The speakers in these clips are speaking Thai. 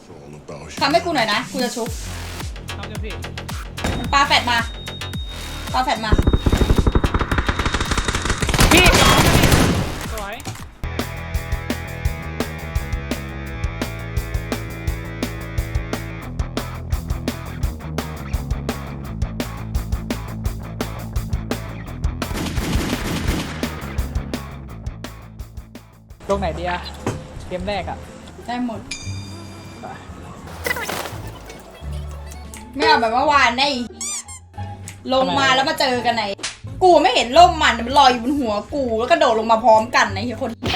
ทำให้กูหน่อยนะกูจะชุบทำจะพี่ปาแฟดมาปาแฟดมาพี่สวยลงไหนดีอะเกมแรกอะได้หมดไม่เอาแบบเมื่อวานได้ลงมาแล้วมาเจอกันไหนกูไม่เห็นร่มมันลอยอยู่บนหัวกูแล้วกระโดดลงมาพร้อมกันนะเฮียคนเดียว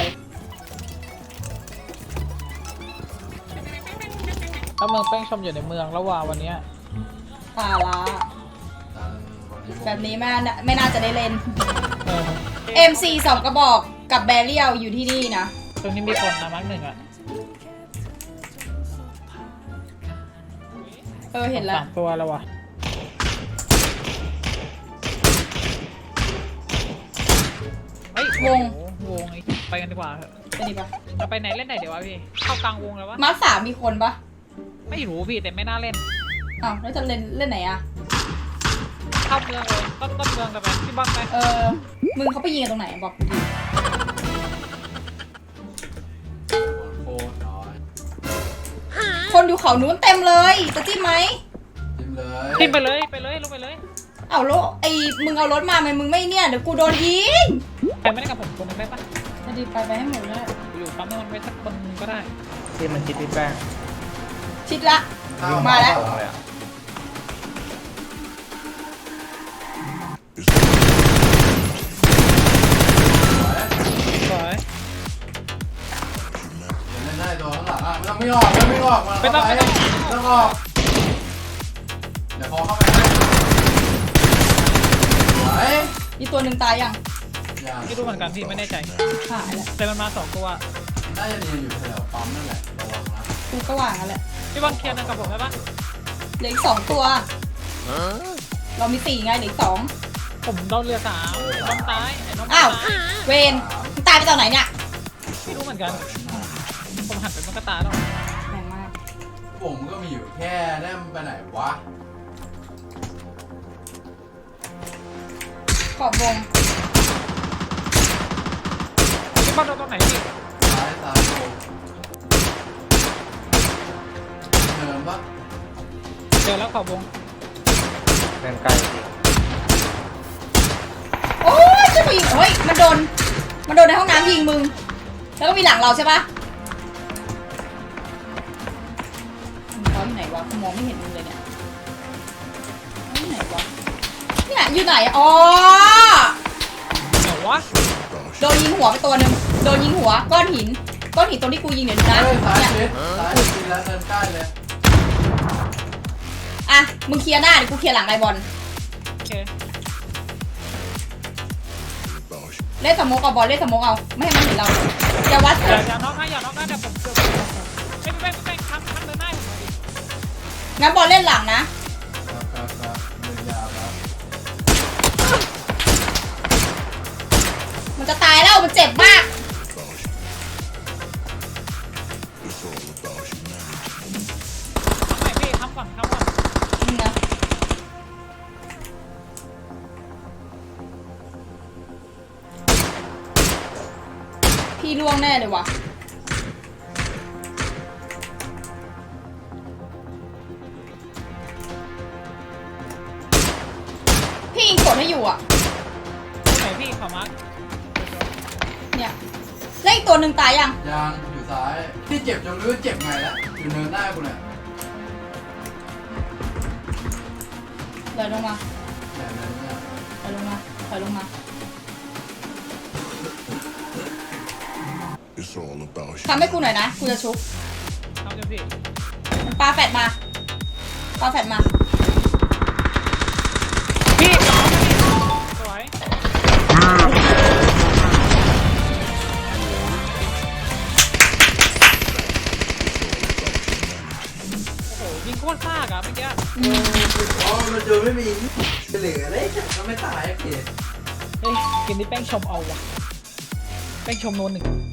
ถ้าเมืองแป้งชมอยู่ในเมืองแล้วว่าวันเนี้ยตาละแบบนี้ไม่น่าจะได้เล่นเออ MC 2 กระบอกกับแบเรียลอยู่ที่นี่นะตรงนี้มีคนนะมาร์กหนึ่งอะเห็นแล้ว 3 ตัวแล้ววะเฮ้ยวงวงไปกันดีกว่าเถอะไปดีปะเราไปไหนเล่นไหนเดี๋ยววะพี่เข้ากลางวงแล้ววะมาร์คสามมีคนปะไม่รู้พี่แต่ไม่น่าเล่นอ้าวแล้วจะเล่นไหนอะเข้าเมืองเลยต้นเมืองเลยไปพี่บ้านไปมึงเขาไปยิงกันตรงไหนบอกกูทีโคตรน้อยคนอยู่เขานู้นเต็มเลยจะจิ้มไหมจิ้มเลยขึ้นไปเลยลงไปเลยเอารถมึงเอารถมาไหมมึงไม่เนี่ยเดี๋ยวกูโดนยิงใครไม่ได้กับผมคนหนึงได้ปะจะดีไปให้หมดเลยอยู่ปั๊มน้ำมันไว้สักคนก็ได้ที่มันคิดที่แป้งชิดละ มาแล้วเลยอ่ะสวยเล่นได้ตัวข้างหลังอ่ะไม่ต้องไม่ออกมาเข้าไปต้องออกเดี๋ยวพอเข้าไปไหวอีตัวหนึ่งตายยังอย่างพี่รู้เหมือนกันพี่ไม่แน่ใจหายแล้วแต่มันมา2 ตัวน่าจะเรียนอยู่แถวปั๊มนั่นแหละระวังนะกูก็ว่างกันแหละพี่บอลเคลียร์นั่นกับผมได้ปะเหลืออีก2 ตัว เรามี4ไงเหลืออีก2 ผมโดนเรือ3ไอ้น้องตายไอ้น้องอ้าวตายเวนมึงตายไปตอนไหนเนี่ยพี่รู้เหมือนกันผมหันไปมันก็ตายแล้วแรงมากผมก็มีอยู่แค่นั่นไปไหนวะขอบวงพี่บอลโดนตรงไหนพี่ซ้ายโดนเดินปะเจอแล้วขอบวงแป้งใกล้จริงโอ้ยจะมายิงเฮ้ยมันโดนในห้องน้ำยิงมึง แล้วก็มีหลังเราใช่ปะมึงเขาอยู่ไหนวะกูมองไม่เห็นมึงเลยเนี่ยอยู่ไหนวะเนี่ยอยู่ไหนอ๋อไหนวะโดนยิงหัวไปตัวหนึ่งโดนยิงหัวก้อนหินตรงที่กูยิงเดี๋ยวนะเฮ้ยซ้ายเนี่ยชิดแล้วเดินใกล้เลยอ่ะมึงเคลียร์หน้าเดี๋ยวกูเคลียร์หลังไอบอลโอเคเล่นสโมกเอาบอลเล่นสโมกเอาไม่ให้มันเห็นเราอย่าวัดอย่าน็อกนะเดี๋ยวผมไม่ข้ามเดินหน้าผมดิงั้นบอลเล่นหลังนะครับเดินยาวครับมันจะตายแล้วมันเจ็บมากไม่พี่ทำก่อนนี่นะพี่ล่วงแน่เลยว่ะพี่ยิงกดให้อยู่อ่ะตรงไหนพี่ขอมาร์คเนี่ยแล้วอีกตัวหนึ่งตายยังยางอยู่ซ้ายที่เจ็บจนรู้เจ็บไงแล้วอยู่เนินหน้ากูเนี่ยเดินลงมาเนี่ยเนินเนี่ยถอยลงมาถอยลงมา It's all about ทำให้กูหน่อยนะกูจะชุบทำจะพี่ปาแฟดมาปาแฟดมาพี่สวยโอ้โหยิงโคตรซากอะเมื่อกี้อ๋อมันดูไม่มีเหลือเลยก็ไม่ตายเกศเฮ้ยเกมนี้แป้งชมเอาว่ะแป้งชมโนน1